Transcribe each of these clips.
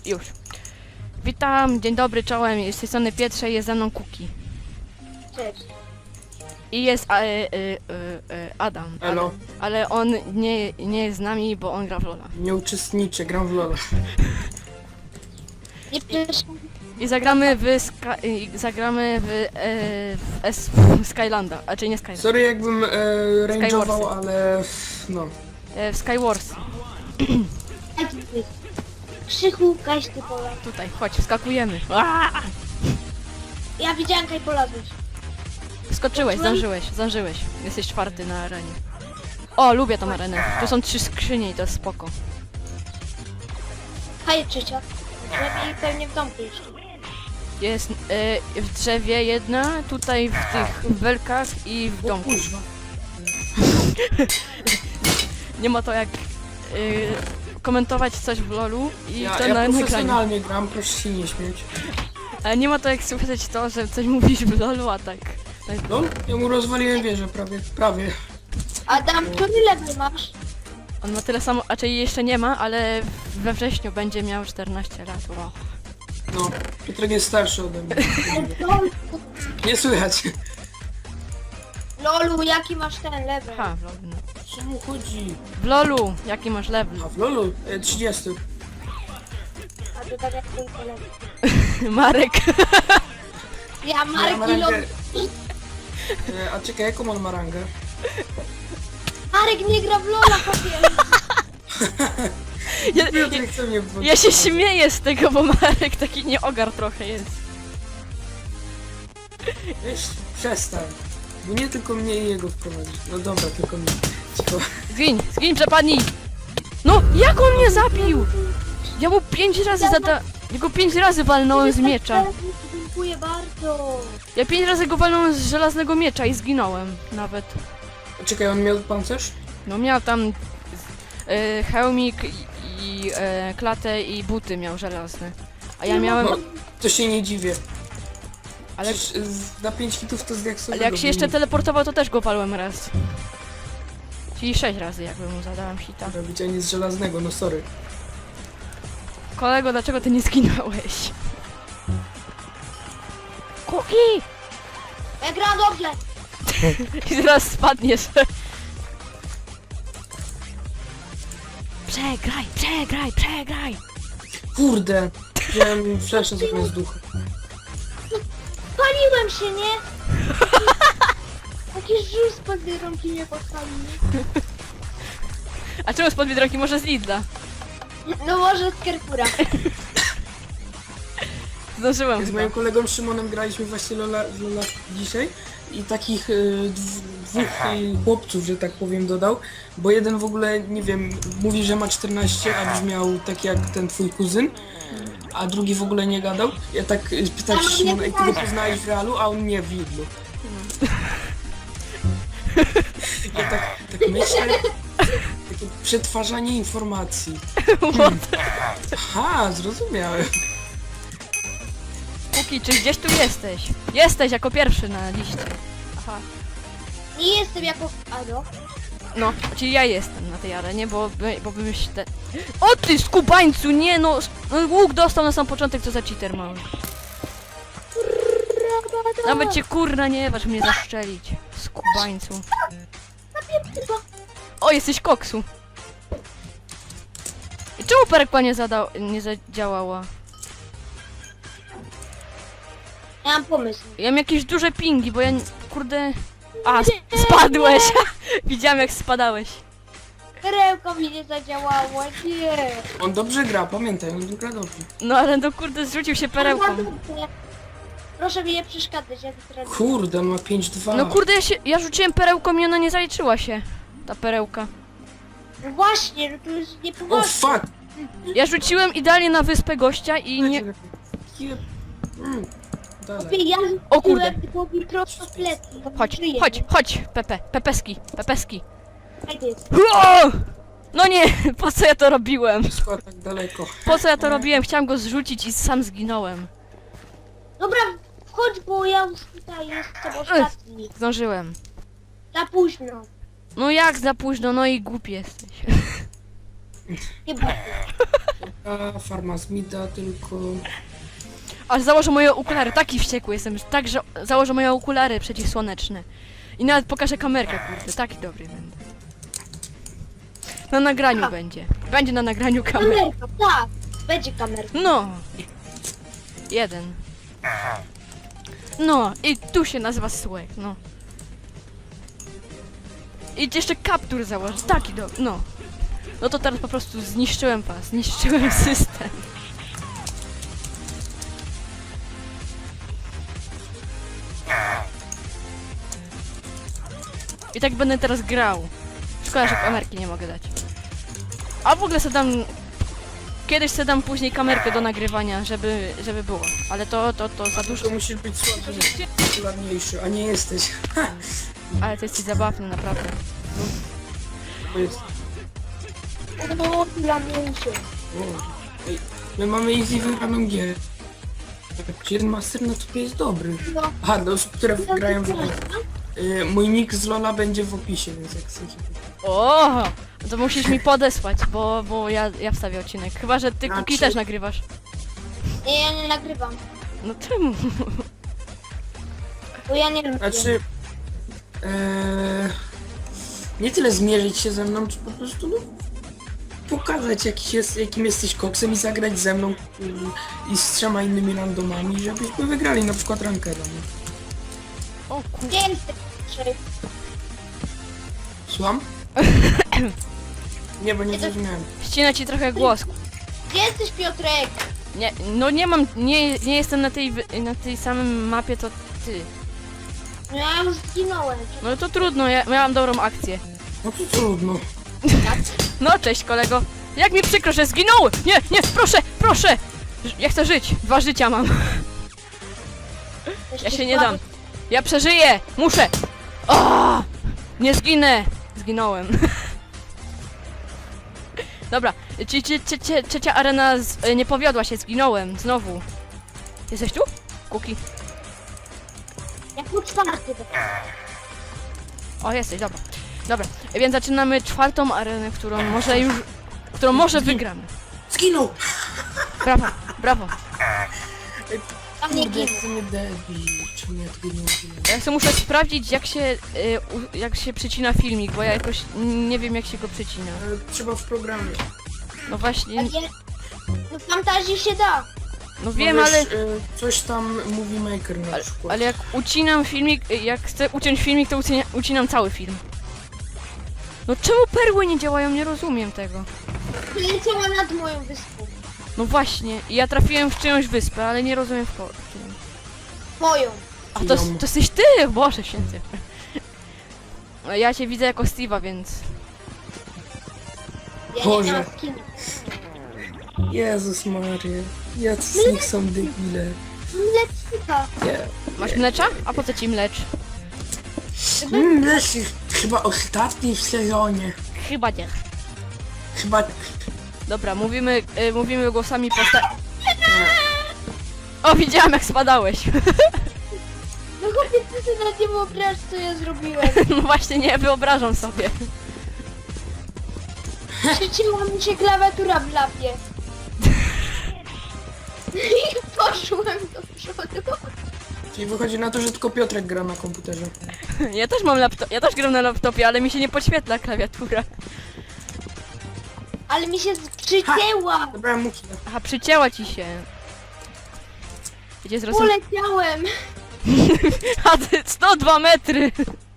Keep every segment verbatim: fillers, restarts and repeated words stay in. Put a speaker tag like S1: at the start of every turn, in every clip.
S1: Już. Witam, dzień dobry, czołem. Z tej strony Pietrze, jest ze mną Kuki.
S2: Cześć.
S1: I jest e, e, e, e, Adam.
S3: Elo.
S1: Ale, ale on nie, nie jest z nami, bo on gra w Lola.
S3: Nie uczestniczę, gram w Lola.
S2: Nie przeszkadzaj.
S1: I zagramy w Ska i zagramy w, e, w, S w Skylanda, a czy nie Skylanda.
S3: Sorry jakbym e, range'ował,
S1: Skywarsy.
S3: ale no.
S1: E, w Skywars.
S2: Krzychu, gaś ty pola.
S1: Tutaj, chodź, wskakujemy. Aaaa!
S2: Ja widziałem, kaj polazłeś.
S1: Skoczyłeś, zdążyłeś, zdążyłeś. Jesteś czwarty na arenie. O, lubię tą arenę. Tu są trzy skrzynie i to jest spoko.
S2: Haj, trzecia. Lepiej pewnie w domku jeszcze.
S1: Jest e, w drzewie jedna, tutaj w tych belkach i w
S3: O
S1: domku.
S3: kurwa.
S1: Nie ma to jak e, komentować coś w lolu i
S3: Ja,
S1: to
S3: ja
S1: na nagraniu.
S3: profesjonalnie gram, proszę się nie śmieć.
S1: Ale nie ma to jak słyszeć to, że coś mówisz w lolu, a tak. tak.
S3: No, ja mu rozwaliłem wieżę prawie, prawie.
S2: Adam, który level masz?
S1: On ma tyle samo, a czyli jeszcze nie ma, ale we wrześniu będzie miał czternaście lat. Wow.
S3: No, Piotrek jest starszy ode mnie.
S2: Lolu,
S3: Nie słychać.
S2: Lolu, jaki masz ten level?
S1: Ha, w lolu. No.
S3: Czemu chodzi?
S1: W lolu, jaki masz level?
S3: A w Lolu? E, trzydzieści.
S2: A to tak jak ten kolega.
S1: Marek.
S2: Ja,
S3: Ja
S2: Marek
S3: mam
S2: i Lolu.
S3: rangę. E, a czekaj, jaką on ma rangę?
S2: Marek nie gra w Lola, chłopie.
S1: Ja, ja,
S3: Piotrek chce mnie wywalić.
S1: ja się śmieję z tego, bo Marek taki nieogar trochę jest.
S3: Weź, przestań. Bo nie tylko mnie i jego wprowadzić. No dobra, tylko mnie. Cicho.
S1: Zgiń, zgiń, przepadnij! No, jak on mnie zabił? Ja mu pięć razy zada... Ja go pięć razy walnąłem z miecza.
S2: Dziękuję bardzo.
S1: Ja pięć razy go walnąłem z żelaznego miecza i zginąłem nawet.
S3: Czekaj, on miał pancerz?
S1: No miał tam e, hełmik i, i e, klatę i buty miał żelazne. A ja miałem...
S3: No, to się nie dziwię.
S1: Ale,
S3: Przecież z- na pięć hitów to z jak
S1: ale jak się jeszcze teleportował, to też go walłem raz. Czyli sześć razy jakby mu zadałem hita.
S3: robić, a nie z żelaznego, no sorry.
S1: Kolego, dlaczego ty nie zginąłeś? Kuki!
S2: Ja gram dobrze.
S1: I zaraz spadniesz. Przegraj, przegraj, przegraj!
S3: Kurde! Wziąłem fleszę zamiast ducha.
S2: Paliłem się, nie? Jakiś żółt spod rąki mnie podpalił, nie?
S1: A czemu spod Biedronki? Może z Lidla?
S2: No może z Kerpura.
S1: Zdążyłem
S3: Z
S1: chyba.
S3: moim kolegą Szymonem graliśmy właśnie Lola, w Lola dzisiaj i takich y, dw, dwóch y, chłopców, że tak powiem, dodał, bo jeden w ogóle, nie wiem, mówi, że ma czternaście, a brzmiał tak jak ten twój kuzyn, a drugi w ogóle nie gadał. Ja tak y, pytam się Szymona, jak ty go poznałeś w realu, a on nie w Lidlu. Ja tak, tak myślę, takie przetwarzanie informacji.
S1: What?
S3: Aha, zrozumiałem.
S1: Kuki, czy gdzieś tu jesteś? Jesteś jako pierwszy na liście. Aha.
S2: Nie jestem jako... Ado.
S1: No, czyli ja jestem na tej arenie, bo, by- bo bymś te... O ty skubańcu, nie no! no łuk dostał na sam początek, co za cheater mały. Nawet cię kurna nie waż mnie zaszczelić. Skubańcu. O, jesteś koksu. I czemu perkła nie zadał, nie zadziałała?
S2: Ja mam pomysł.
S1: Ja mam jakieś duże pingi, bo ja nie- kurde... A, sp- spadłeś! Widziałem jak spadałeś.
S2: Perełko mi nie zadziałało, nie.
S3: On dobrze gra, pamiętaj, on gra dobrze.
S1: No ale no kurde, zrzucił się perełką.
S2: Proszę mi nie przeszkadzać, ja to teraz...
S3: Kurde, on ma pięć dwa.
S1: No kurde, ja, się, ja rzuciłem perełką i ona nie zaliczyła się. Ta perełka.
S2: No właśnie, no to jest
S3: O
S2: niepoważne.
S3: fuck!
S1: Ja rzuciłem idealnie na wyspę gościa i nie...
S3: Je- Mm, Dalej.
S2: Lepiej ja
S1: O kurde.
S2: rzuciłem, tylko mi prosto w plecy. bo
S1: Chodź,
S2: żyję.
S1: chodź, chodź, Pepe, pepeski, pepeski.
S2: Daj ty jest.
S1: O! No nie, po co ja to robiłem?
S3: Skoro tak daleko.
S1: Po co ja to robiłem? Chciałem go zrzucić i sam zginąłem.
S2: Dobra, wchodź, bo ja już tutaj jestem ostatni.
S1: Zdążyłem.
S2: Za późno.
S1: No jak za późno, no i głupi jesteś.
S2: Nie bój.
S3: A farma Smita tylko...
S1: Aż założę moje okulary, taki wściekły jestem, że tak, że założę moje okulary przeciwsłoneczne. I nawet pokażę kamerkę, kurde, taki dobry będę. Na nagraniu
S2: A.
S1: będzie. Będzie na nagraniu kamerka.
S2: Kamerka, tak. Będzie kamerka.
S1: No. Jeden. No, i tu się nazywa Słek, no. I jeszcze kaptur założę, taki dobry, no. No to teraz po prostu zniszczyłem was, zniszczyłem system. I tak będę teraz grał. Szkoda, że kamerki nie mogę dać. A w ogóle sobie dam... Kiedyś sobie dam później kamerkę do nagrywania, żeby, żeby było. Ale to, to, to za dużo.
S3: To musisz być słabszy, popularniejszy, a nie jesteś.
S1: Ale to jest zabawne, naprawdę.
S3: Bo jest...
S2: No, dla mnie się.
S3: O, ej, my mamy easy wygraną gierę. Jeden master na topie jest dobry.
S2: No.
S3: Aha, dla osób, które grają w ogóle. Y, mój nick z Lola będzie w opisie, więc jak chcecie.
S1: O, to musisz mi podesłać, bo, bo ja, ja wstawię odcinek. Chyba, że ty
S3: Znaczy-
S1: Kuki też nagrywasz.
S2: Nie, ja nie nagrywam.
S1: No czemu?
S2: Bo ja nie lubię.
S3: Znaczy... E, nie tyle zmierzyć się ze mną, czy po prostu no, pokazać jaki jest, jakim jesteś koksem i zagrać ze mną y, i z trzema innymi randomami, żebyśmy wygrali na przykład rankeda. No.
S1: O kur...
S2: Gdzie jesteś?
S3: Słucham? Nie, bo nie zrozumiałem.
S1: Ścina ci trochę głos.
S2: Gdzie jesteś, Piotrek?
S1: Nie, no nie mam, nie, nie jestem na tej, wy- na tej samym mapie, to ty.
S2: No ja już zginąłem.
S1: No to trudno, ja miałam dobrą akcję.
S3: No to trudno.
S1: No cześć kolego. Jak mi przykro, że zginąłem! Nie, nie, proszę, proszę! Ż- Ja chcę żyć, dwa życia mam. Ja się nie dam. Ja przeżyję! Muszę! O! Nie zginę! Zginąłem. Dobra, ci, ci, ci, ci, trzecia arena z, e, nie powiodła się, zginąłem, znowu. Jesteś tu? Kuki.
S2: Jak był czwarty.
S1: O, jesteś, dobra. Dobra, więc zaczynamy czwartą arenę, którą może już... którą może wygramy.
S3: Zginął!
S1: Brawo, brawo.
S2: Tam nie
S3: Kurde, jak
S2: ginął.
S3: to mnie debil. Czemu ja tego nie udzielę?
S1: Ja sobie muszę sprawdzić, jak się, y, u, jak się przycina filmik, bo ja jakoś nie wiem, jak się go przycina.
S3: E, Trzeba w programie.
S1: No właśnie,
S2: A nie- No w fantazji się da.
S1: no wiem,
S3: Możesz,
S1: ale...
S3: e, coś tam Movie Maker na
S1: Ale,
S3: przykład.
S1: ale jak ucinam filmik, y, jak chcę uciąć filmik, to ucinia, ucinam cały film. No czemu perły nie działają? Nie rozumiem tego.
S2: Leciała nad moją wyspą.
S1: No właśnie, i ja trafiłem w czyjąś wyspę, ale nie rozumiem w ko... którą.
S2: Moją.
S1: A to, to jesteś ty! Boże święty. Ja cię widzę jako Steve'a, więc...
S2: Ja
S3: Boże.
S2: nie miałam skinu.
S3: Jezus Maria. Jacy z nich są debile.
S2: Mlecznika.
S3: Nie.
S1: Masz mlecza? A po co ci mlecz?
S3: Mm, Leszych, chyba ostatni w sezonie.
S1: Chyba nie.
S3: Chyba...
S1: Dobra, mówimy, y, mówimy głosami posta... O, widziałam jak spadałeś.
S2: No chłopie, ty sobie nawet nie wyobrażasz, co ja zrobiłem.
S1: No właśnie nie wyobrażam sobie.
S2: Przycięła mi się klawiatura w lapie. I poszłem do przodu.
S3: Czyli wychodzi na to, że tylko Piotrek gra na komputerze.
S1: Ja też mam laptop, ja też gram na laptopie, ale mi się nie podświetla klawiatura.
S2: Ale mi się przycięła.
S3: Zabrałem mu killa.
S1: Aha, przycięła ci się. Gdzie zrozum...
S2: Poleciałem.
S1: A ty sto dwa metry!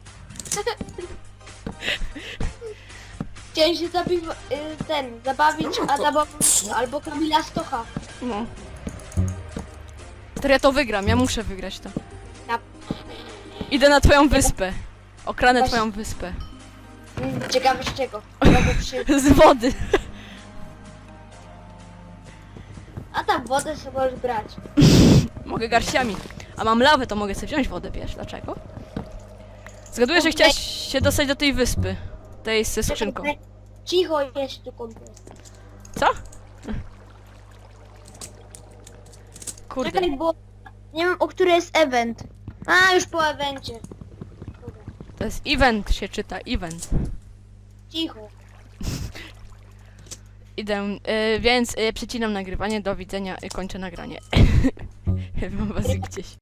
S2: Chciałem się zabić, y, ten, zabawić
S3: No to-
S2: Adama albo Kamila Stocha.
S1: No. To ja to wygram, ja muszę wygrać to.
S2: Ja,
S1: Idę na twoją wyspę. Okranę
S2: Właśnie.
S1: twoją wyspę.
S2: mm, ciekawe z czego. Robię przy...
S1: Z wody.
S2: A tam wodę sobie możesz brać.
S1: Mogę garściami. A mam lawę, to mogę sobie wziąć wodę, wiesz dlaczego? Zgaduję, że chciałaś się dostać do tej wyspy. Tej ze skrzynką.
S2: Cicho jest tu komplet.
S1: Co? Kurde.
S2: Czekaj, bo nie wiem, o który jest event. A, już po evencie. Dobra,
S1: To jest event się czyta, event.
S2: cicho.
S1: idę, y, więc y, przecinam nagrywanie, do widzenia, y, kończę nagranie. Mam was gdzieś.